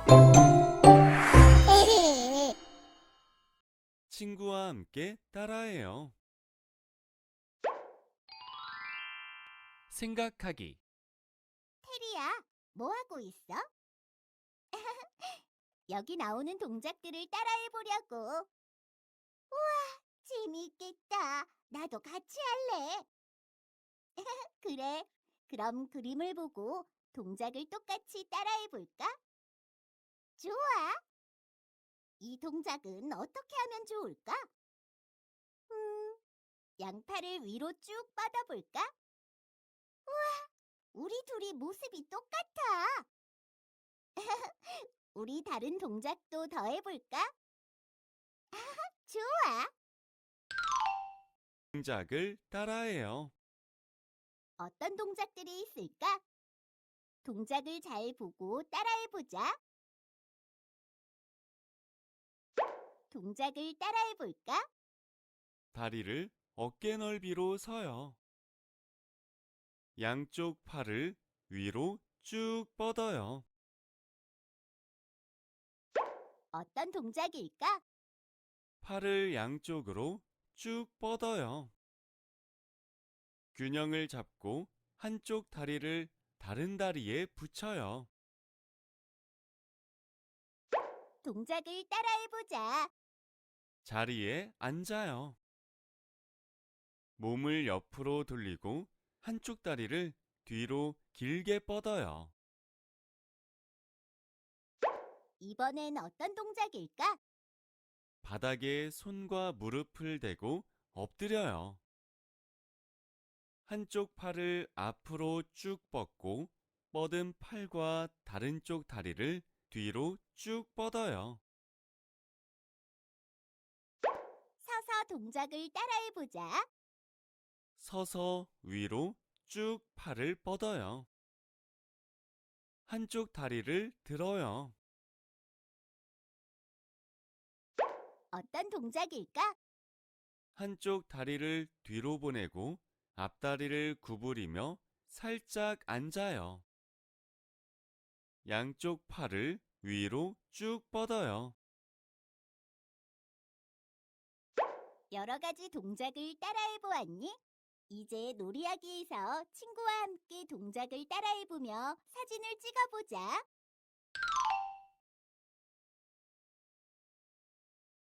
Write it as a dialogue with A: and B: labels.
A: 친구와 함께 따라해요. 생각하기.
B: 테리야, 뭐 하고 있어? 여기 나오는 동작들을 따라해 보려고. 재미있겠다. 나도 같이 할래. 그래. 그럼 그림을 보고 동작을 똑같이 따라해 볼까? 좋아. 이 동작은 어떻게 하면 좋을까? 양팔을 위로 쭉 뻗어볼까? 우리 둘이 모습이 똑같아. 우리 다른 동작도 더 해볼까? 좋아.
A: 동작을 따라해요.
B: 어떤 동작들이 있을까? 동작을 잘 보고 따라해보자. 동작을 따라해볼까?
A: 다리를 어깨 넓이로 서요. 양쪽 팔을 위로 쭉 뻗어요.
B: 어떤 동작일까?
A: 팔을 양쪽으로 쭉 뻗어요. 균형을 잡고 한쪽 다리를 다른 다리에 붙여요.
B: 동작을 따라해보자.
A: 자리에 앉아요. 몸을 옆으로 돌리고 한쪽 다리를 뒤로 길게 뻗어요.
B: 이번엔 어떤 동작일까?
A: 바닥에 손과 무릎을 대고 엎드려요. 한쪽 팔을 앞으로 쭉 뻗고 뻗은 팔과 다른 쪽 다리를 뒤로 쭉 뻗어요.
B: 서서 동작을 따라해보자.
A: 서서 위로 쭉 팔을 뻗어요. 한쪽 다리를 들어요.
B: 어떤 동작일까?
A: 한쪽 다리를 뒤로 보내고 앞다리를 구부리며 살짝 앉아요. 양쪽 팔을 위로 쭉 뻗어요.
B: 여러 가지 동작을 따라해보았니? 이제 놀이하기에서 친구와 함께 동작을 따라해보며 사진을 찍어보자.